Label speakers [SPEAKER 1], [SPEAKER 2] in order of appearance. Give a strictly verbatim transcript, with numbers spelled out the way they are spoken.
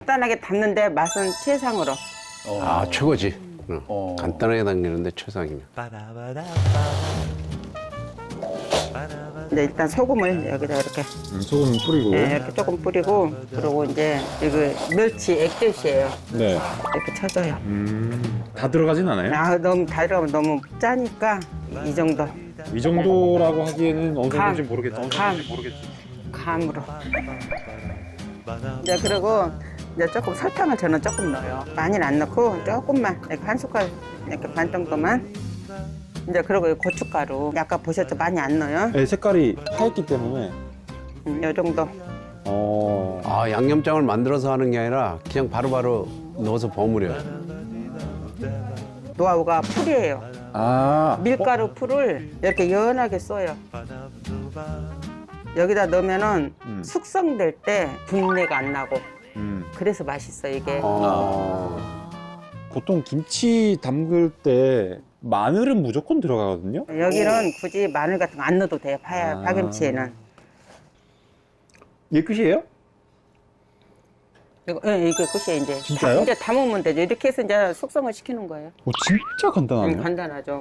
[SPEAKER 1] 간단하게 담는데 맛은 최상으로.
[SPEAKER 2] 어.
[SPEAKER 3] 아, 최고지. 응.
[SPEAKER 2] 어.
[SPEAKER 3] 간단하게 당기는데 최상이면.
[SPEAKER 1] 이제 일단 소금을 여기다 이렇게
[SPEAKER 2] 음, 소금 뿌리고.
[SPEAKER 1] 네, 이렇게 조금 뿌리고 그리고 이제 이거 멸치 액젓이에요.
[SPEAKER 2] 네.
[SPEAKER 1] 이렇게 쳐줘요.
[SPEAKER 2] 음, 다 들어가진 않아요?
[SPEAKER 1] 아 너무 다 들어가면 너무 짜니까 이 정도
[SPEAKER 2] 이 정도라고 하기에는 어느
[SPEAKER 1] 감.
[SPEAKER 2] 정도인지 모르겠지. 어느
[SPEAKER 1] 감.
[SPEAKER 2] 정도인지 모르겠지.
[SPEAKER 1] 감으로. 이제 그리고 이제 조금 설탕을 저는 조금 넣어요. 많이는 안 넣고 조금만 이렇게 한 숟갈 이렇게 반 정도만. 이제 그리고 이 고춧가루 아까 보셨죠? 많이 안 넣어요.
[SPEAKER 2] 네, 색깔이 하얗기 때문에.
[SPEAKER 1] 음, 이 정도.
[SPEAKER 2] 어.
[SPEAKER 3] 아, 양념장을 만들어서 하는 게 아니라 그냥 바로바로 넣어서 버무려요.
[SPEAKER 1] 노하우가 풀이에요.
[SPEAKER 2] 아.
[SPEAKER 1] 밀가루 풀을 이렇게 연하게 써요. 여기다 넣으면은
[SPEAKER 2] 음.
[SPEAKER 1] 숙성될 때 분내가 안 나고
[SPEAKER 2] 음.
[SPEAKER 1] 그래서 맛있어 이게.
[SPEAKER 3] 어.
[SPEAKER 2] 보통 김치 담글 때 마늘은 무조건 들어가거든요.
[SPEAKER 1] 여기는 굳이 마늘 같은 거 안 넣어도 돼요. 파,
[SPEAKER 2] 아.
[SPEAKER 1] 파김치에는.
[SPEAKER 2] 이게 끝이에요?
[SPEAKER 1] 이거, 예, 이게 끝이에요 이제.
[SPEAKER 2] 진짜요?
[SPEAKER 1] 다, 이제 담으면 되죠. 이렇게 해서 이제 숙성을 시키는 거예요.
[SPEAKER 2] 오, 진짜 간단하네요.
[SPEAKER 1] 음, 간단하죠.